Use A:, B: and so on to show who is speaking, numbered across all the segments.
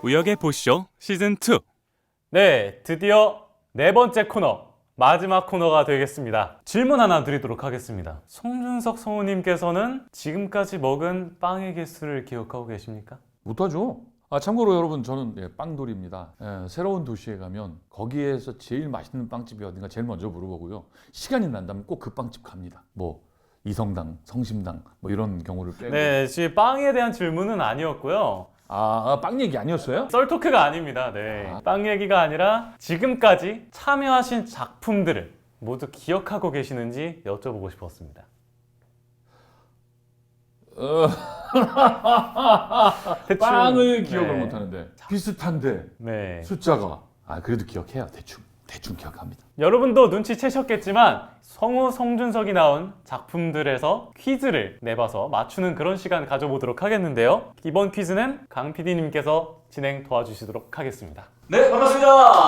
A: 우혁의 보쇼 시즌2.
B: 네, 드디어 네 번째 코너, 마지막 코너가 되겠습니다. 질문 하나 드리도록 하겠습니다. 송준석 성우님께서는 지금까지 먹은 빵의 개수를 기억하고 계십니까?
C: 못하죠. 참고로 여러분, 저는 빵돌이입니다. 새로운 도시에 가면 거기에서 제일 맛있는 빵집이 어딘가 제일 먼저 물어보고요. 시간이 난다면 꼭 그 빵집 갑니다. 뭐 이성당, 성심당 뭐 이런 경우를 빼고.
B: 네, 지금 빵에 대한 질문은 아니었고요.
C: 빵 얘기 아니었어요?
B: 썰토크가 아닙니다. 네, 빵 얘기가 아니라 지금까지 참여하신 작품들을 모두 기억하고 계시는지 여쭤보고 싶었습니다. 대충,
C: 빵을 기억을
B: 네.
C: 못하는데 비슷한데
B: 네.
C: 숫자가 그래도 기억해요. 대충 기억합니다.
B: 여러분도 눈치채셨겠지만 성우 송준석이 나온 작품들에서 퀴즈를 내봐서 맞추는 그런 시간 가져보도록 하겠는데요. 이번 퀴즈는 강 PD님께서 진행 도와주시도록 하겠습니다.
D: 네, 반갑습니다.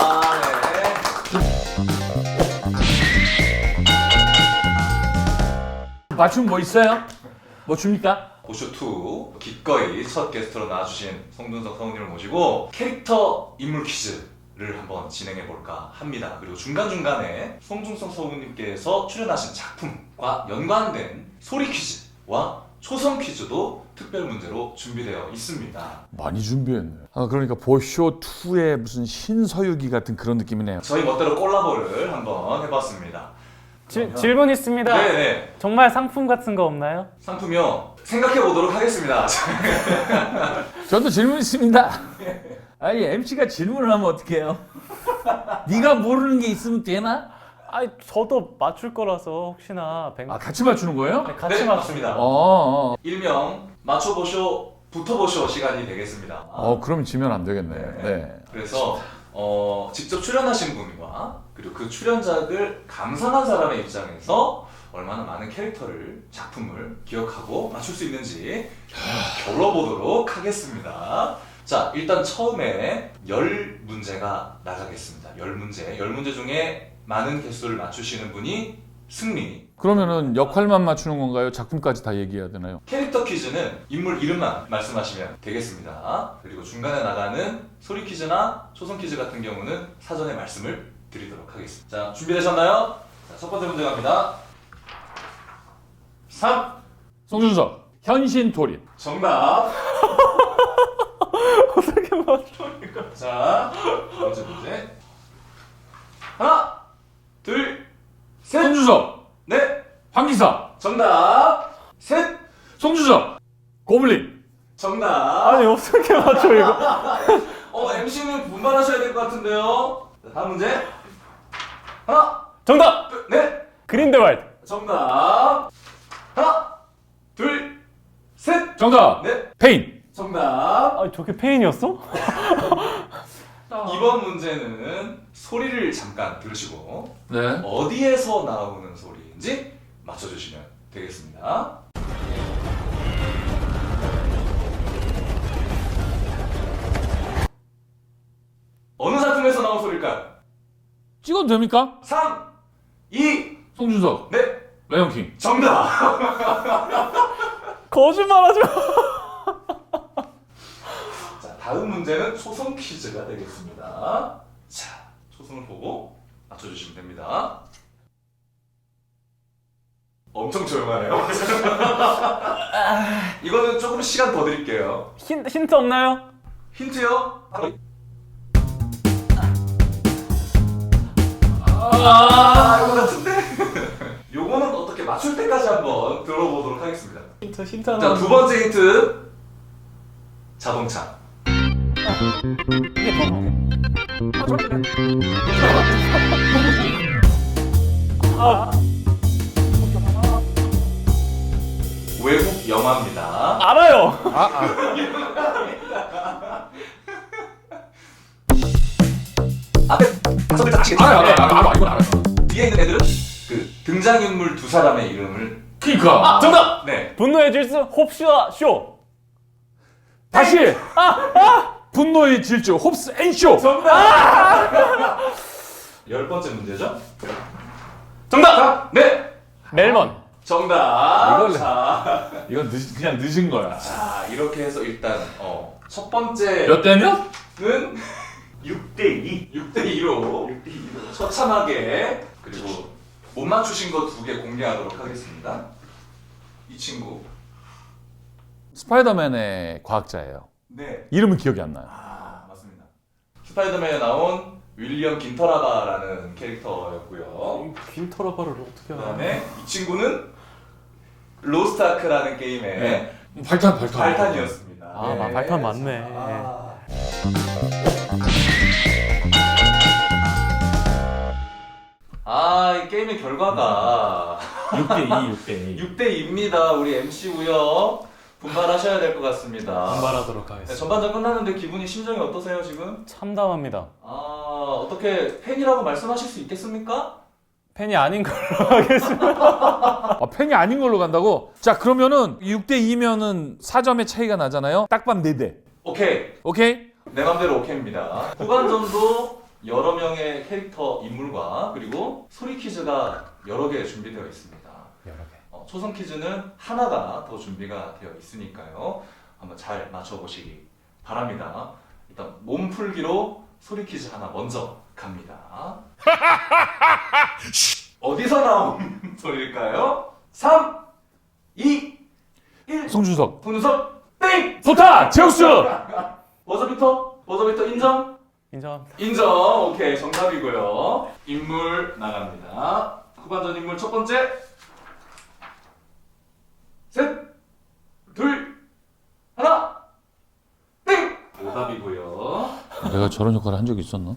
C: 맞춤 뭐 있어요? 뭐 줍니까?
D: 보쇼2 기꺼이 첫 게스트로 나와주신 송준석 성우님을 모시고 캐릭터 인물 퀴즈를 한번 진행해볼까 합니다. 그리고 중간중간에 송준석 성우님께서 출연하신 작품과 연관된 소리 퀴즈와 초성 퀴즈도 특별 문제로 준비되어 있습니다.
C: 많이 준비했네. 그러니까 보쇼2의 무슨 신서유기 같은 그런 느낌이네요.
D: 저희 멋대로 콜라보를 한번 해봤습니다.
B: 질문 있습니다.
D: 네네.
B: 정말 상품 같은 거 없나요?
D: 상품이요. 생각해보도록 하겠습니다.
C: 저도 질문 있습니다. 아니 MC가 질문을 하면 어떡해요? 네가 모르는 게 있으면 되나?
B: 아니, 저도 맞출 거라서 혹시나
C: 같이 맞추는 거예요?
B: 네, 같이
D: 네,
B: 맞춥니다.
D: 맞습니다. 일명 맞춰보쇼, 붙어보쇼 시간이 되겠습니다.
C: 그럼 지면 안 되겠네. 네.
D: 그래서 직접 출연하신 분과 그리고 그 출연작을 감상한 사람의 입장에서 얼마나 많은 캐릭터를, 작품을 기억하고 맞출 수 있는지 겨뤄보도록 하겠습니다. 자, 일단 처음에 10문제가 나가겠습니다. 10문제. 10문제 중에 많은 개수를 맞추시는 분이 승리.
C: 그러면은 역할만 맞추는 건가요? 작품까지 다 얘기해야 되나요?
D: 캐릭터 퀴즈는 인물 이름만 말씀하시면 되겠습니다. 그리고 중간에 나가는 소리 퀴즈나 초성 퀴즈 같은 경우는 사전에 말씀을 드리도록 하겠습니다. 자, 준비되셨나요? 자, 첫 번째 문제 갑니다. 3.
C: 송준석 현신 돌입.
D: 정답.
B: 어떻게 맞춰?
D: 자, 두 번째 문제. 하나, 둘, 셋.
C: 송준석
D: 넷.
C: 황기사.
D: 정답. 셋.
C: 송준석 고블린.
D: 정답.
B: 아니, 어떻게 맞춰 이거?
D: MC는 분발하셔야 될 것 같은데요. 자, 다음 문제. 하나,
B: 정답!
D: 둘, 넷.
B: 그린델왈드.
D: 정답. 하나, 둘, 셋.
C: 정답.
D: 넷.
C: 페인.
D: 정답.
B: 아, 저게 페인이었어?
D: 이번 문제는 소리를 잠깐 들으시고
C: 네.
D: 어디에서 나오는 소리인지 맞춰주시면 되겠습니다. 어느 작품에서 나온 소리일까요?
C: 찍어도 됩니까?
D: 3, 2,
C: 송준석
D: 네.
C: 라이온킹.
D: 정답.
B: 거짓말하지 마.
D: 자, 다음 문제는 초성 퀴즈가 되겠습니다. 자, 초성을 보고 맞춰주시면 됩니다. 엄청 조용하네요. 이거는 조금 시간 더 드릴게요.
B: 힌트 없나요?
D: 힌트요? 이거 같은데? 요거는 어떻게 맞출 때까지 한번 들어보도록 하겠습니다.
B: 힌트 하나.
D: 자, 두 번째 힌트. 자동차. 외국 영화입니다.
B: 알아요.
D: 앞에 다섯 글자 아시겠죠?
C: 알아요. 이건 알아요.
D: 뒤에 있는 애들은 그 등장인물 두 사람의 이름을.
C: 그니까.
B: 정답!
D: 네.
B: 분노의 질주 홉슈아 쇼.
C: 다시. 분노의 질주 홉스 앤 쇼.
D: 정답! 10번째 문제죠? 정답! 네!
B: 멜먼.
D: 정답!
C: 이걸
D: 자,
C: 이건 그냥 늦은 거야.
D: 자, 이렇게 해서 일단 첫 번째
C: 몇 대 몇?
D: 는
E: 6대2.
D: 6대2로
E: 6대2로.
D: 처참하게 그리고 못 맞추신 거 2개 공개하도록 하겠습니다. 이 친구.
C: 스파이더맨의 과학자예요.
D: 네.
C: 이름은 기억이 안 나요.
D: 아, 맞습니다. 스파이더맨에 나온 윌리엄 긴터라바라는 캐릭터였고요.
B: 빈터라바를 어떻게 알아?
D: 그다음에 이 친구는 로스트아크라는 게임의 발탄이었습니다.
B: 아, 발탄 맞네.
D: 이 게임의 결과가
C: 6대2.
D: 6대2입니다. 우리 MC 우혁 분발하셔야 될 것 같습니다.
B: 분발하도록
D: 네,
B: 하겠습니다.
D: 전반전 끝났는데 기분이 심정이 어떠세요 지금?
B: 참담합니다.
D: 어떻게 팬이라고 말씀하실 수 있겠습니까?
B: 팬이 아닌 걸로 하겠습니다.
C: 팬이 아닌 걸로 간다고? 자, 그러면은 6대2면은 4점의 차이가 나잖아요. 딱밤 4대.
D: 오케이.
C: 오케이?
D: 내 맘대로 오케이입니다. 후반전도 여러 명의 캐릭터 인물과 그리고 소리 퀴즈가 여러 개 준비되어 있습니다.
B: 여러 개.
D: 초성 퀴즈는 하나가 더 준비가 되어 있으니까요. 한번 잘 맞춰보시기 바랍니다. 일단 몸풀기로 소리 퀴즈 하나 먼저 갑니다. 어디서 나온 소리일까요? 3, 2, 1.
C: 송준석.
D: 송준석 땡!
C: 소타! 제우스!
D: 버저비터 인정?
B: 인정합니다.
D: 인정. 오케이, 정답이고요. 인물 나갑니다. 후반전 인물 첫 번째. 셋, 둘, 하나, 땡! 오답이고요.
C: 내가 저런 역할을 한 적이 있었나?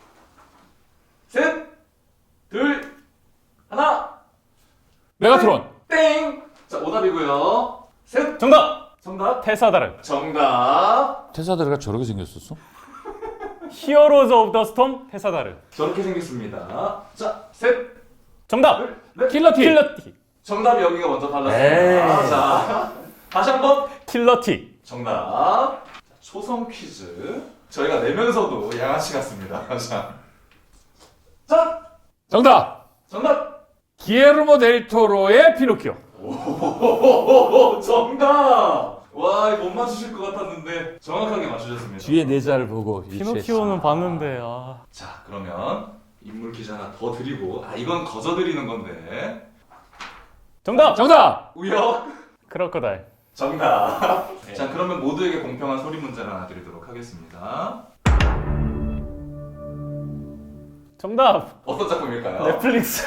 D: 셋, 둘, 하나,
C: 메가트론.
D: 땡! 자, 오답이고요. 셋,
B: 정답!
D: 정답.
B: 테사다르.
D: 정답.
C: 테사드가 저렇게 생겼었어?
B: 히어로즈 오브 더 스톰 테사다르.
D: 저렇게 생겼습니다. 자, 셋,
B: 정답!
D: 둘, 넷.
C: 킬러티.
B: 킬러티.
D: 정답이 여기가 먼저
C: 에이.
D: 발랐습니다. 자, 다시 한번.
B: 킬러티.
D: 정답. 초성 퀴즈. 저희가 내면서도 양아치 같습니다. 자,
C: 정답!
D: 정답.
C: 기에르모 델 토로의 피노키오.
D: 오호호호호, 정답. 와, 이거 못 맞추실 것 같았는데 정확하게 맞추셨습니다.
C: 뒤에 네 자를 보고
B: 피노키오는 봤는데
D: 자, 그러면 인물 퀴즈 하나 더 드리고, 이건 거저 드리는 건데.
B: 정답!
C: 정답!
D: 우혁.
B: 크로커다일.
D: 정답. 자, 그러면 모두에게 공평한 소리 문제를 하나 드리도록 하겠습니다.
B: 정답!
D: 어떤 작품일까요?
B: 넷플릭스.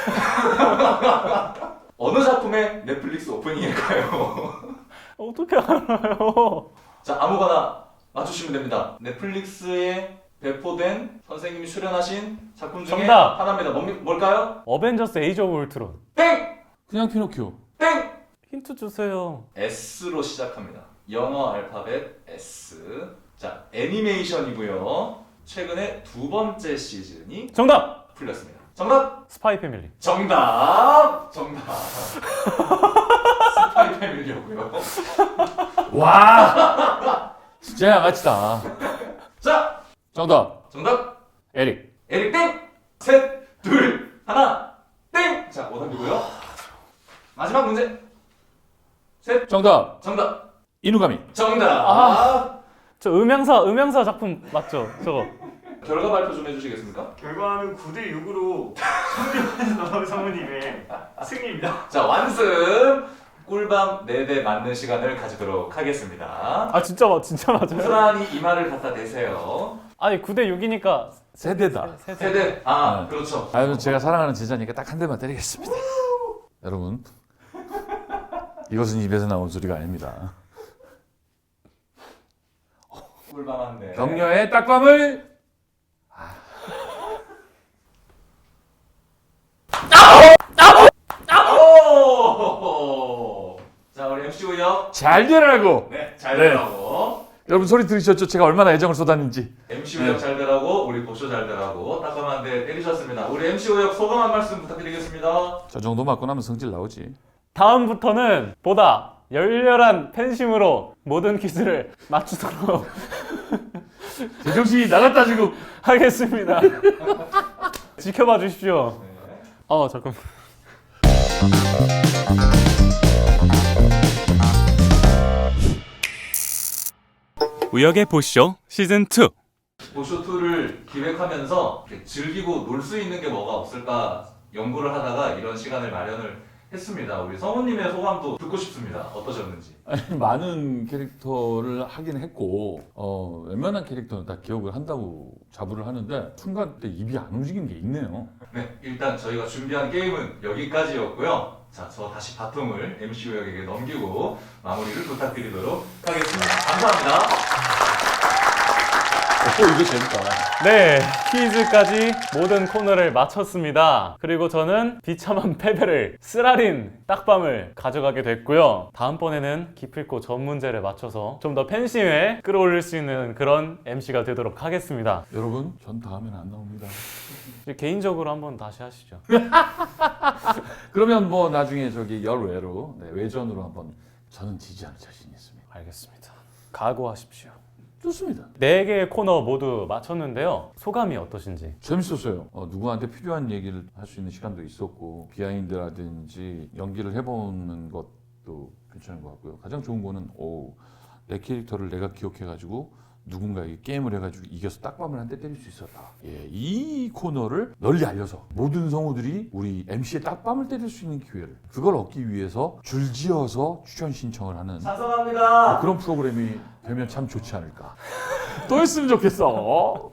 D: 어느 작품의 넷플릭스 오프닝일까요?
B: 어떻게 알아요?
D: 자, 아무거나 맞추시면 됩니다. 넷플릭스에 배포된 선생님이 출연하신 작품 중에
B: 정답!
D: 하나입니다. 뭘까요?
B: 어벤져스 에이지 오브 울트론.
D: 땡!
C: 그냥 피노키오.
D: 땡!
B: 힌트 주세요.
D: S로 시작합니다. 영어 알파벳 S. 자, 애니메이션이고요. 최근에 2번째 시즌이
B: 정답!
D: 풀렸습니다. 정답!
B: 스파이 패밀리.
D: 정답! 정답. 스파이 패밀리였고요.
C: 와! 진짜 양아치다.
D: 자,
C: 정답.
D: 정답.
C: 에릭.
D: 에릭 땡! 셋, 둘, 하나, 땡! 자, 오답이고요. 마지막 문제. 셋,
C: 정답.
D: 정답.
C: 이누가미.
D: 정답.
B: 저 음향사 작품 맞죠? 저거.
D: 결과 발표 좀 해주시겠습니까?
E: 결과는 9대6으로 성우님의 승리입니다.
D: 자, 완승. 꿀밤 4대 맞는 시간을 가지도록 하겠습니다.
B: 진짜 맞아요?
D: 고스란히 이마를 갖다 대세요.
B: 아니 9대 6이니까
C: 세대다.
B: 세대.
D: 세대.
C: 네.
D: 그렇죠.
C: 아유, 제가 사랑하는 제자니까 딱 한 대만 때리겠습니다. 여러분, 이것은 입에서 나온 소리가 아닙니다.
D: 꿀밤 한 대.
C: 격려의 딱밤을
D: 오! 자, 우리 MC 우혁.
C: 잘 되라고.
D: 네, 잘
C: 네.
D: 되라고.
C: 여러분 소리 들으셨죠? 제가 얼마나 애정을 쏟았는지.
D: MC 우혁 잘 되라고, 우리 고쇼 잘 되라고 따끔한 한 대 때리셨습니다. 우리 MC 우혁 소감 한 말씀 부탁드리겠습니다.
C: 저 정도 맞고 나면 성질 나오지.
B: 다음부터는 보다 열렬한 팬심으로 모든 퀴즈를 맞추도록
C: 제정신이 나갔다 지금.
B: 하겠습니다. 지켜봐 주십시오.
D: 네.
B: 잠깐.
A: 우혁의 보쇼 시즌2.
D: 보쇼2를 기획하면서 이렇게 즐기고 놀 수 있는 게 뭐가 없을까 연구를 하다가 이런 시간을 마련을 했습니다. 우리 성우님의 소감도 듣고 싶습니다. 어떠셨는지.
C: 많은 캐릭터를 하긴 했고 웬만한 캐릭터는 다 기억을 한다고 자부를 하는데 순간 때 입이 안 움직이는 게 있네요.
D: 네, 일단 저희가 준비한 게임은 여기까지였고요. 자, 저 다시 바통을 MC 우혁에게 넘기고 마무리를 부탁드리도록 하겠습니다. 감사합니다.
C: 이거 재밌다.
B: 네, 퀴즈까지 모든 코너를 마쳤습니다. 그리고 저는 비참한 패배를 쓰라린 딱밤을 가져가게 됐고요. 다음번에는 기필코 전 문제를 맞춰서 좀 더 팬심에 끌어올릴 수 있는 그런 MC가 되도록 하겠습니다.
C: 여러분, 전 다음엔 안 나옵니다.
B: 이제 개인적으로 한번 다시 하시죠.
C: 그러면 뭐 나중에 저기 열외로 외전으로 한번 저는 지지 않을 자신이 있습니다.
B: 알겠습니다. 각오하십시오.
C: 좋습니다.
B: 4개의 코너 모두 마쳤는데요. 소감이 어떠신지?
C: 재밌었어요. 누구한테 필요한 얘기를 할 수 있는 시간도 있었고 비하인드라든지 연기를 해보는 것도 괜찮은 것 같고요. 가장 좋은 거는 내 캐릭터를 내가 기억해가지고 누군가에게 게임을 해가지고 이겨서 딱밤을 한 대 때릴 수 있었다. 예, 이 코너를 널리 알려서 모든 성우들이 우리 MC의 딱밤을 때릴 수 있는 기회를 그걸 얻기 위해서 줄지어서 출연 신청을 하는
E: 찬성합니다.
C: 그런 프로그램이 되면 참 좋지 않을까. 또 했으면 좋겠어.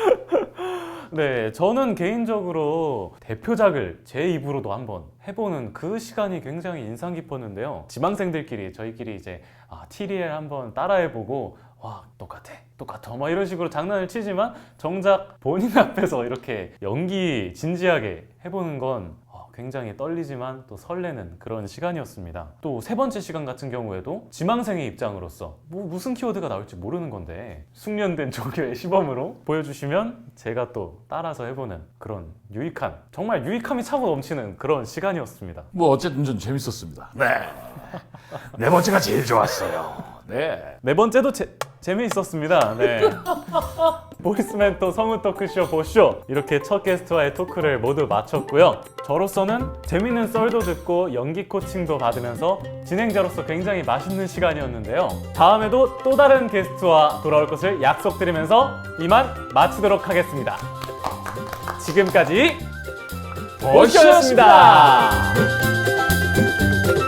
B: 네, 저는 개인적으로 대표작을 제 입으로도 한번 해보는 그 시간이 굉장히 인상 깊었는데요. 지망생들끼리 저희끼리 이제 TDL 한번 따라해보고 와 똑같아 막 이런 식으로 장난을 치지만 정작 본인 앞에서 이렇게 연기 진지하게 해보는 건 굉장히 떨리지만 또 설레는 그런 시간이었습니다. 또 세 번째 시간 같은 경우에도 지망생의 입장으로서 무슨 키워드가 나올지 모르는 건데 숙련된 조교의 시범으로 보여주시면 제가 또 따라서 해보는 그런 정말 유익함이 차고 넘치는 그런 시간이었습니다.
C: 뭐 어쨌든 좀 재밌었습니다. 네. 네 번째가 제일 좋았어요. 네.
B: 네 번째도 재미있었습니다. 네. 보이스멘토 성우 토크쇼 보쇼 이렇게 첫 게스트와의 토크를 모두 마쳤고요. 저로서는 재밌는 썰도 듣고 연기 코칭도 받으면서 진행자로서 굉장히 맛있는 시간이었는데요. 다음에도 또 다른 게스트와 돌아올 것을 약속드리면서 이만 마치도록 하겠습니다. 지금까지 보쇼였습니다.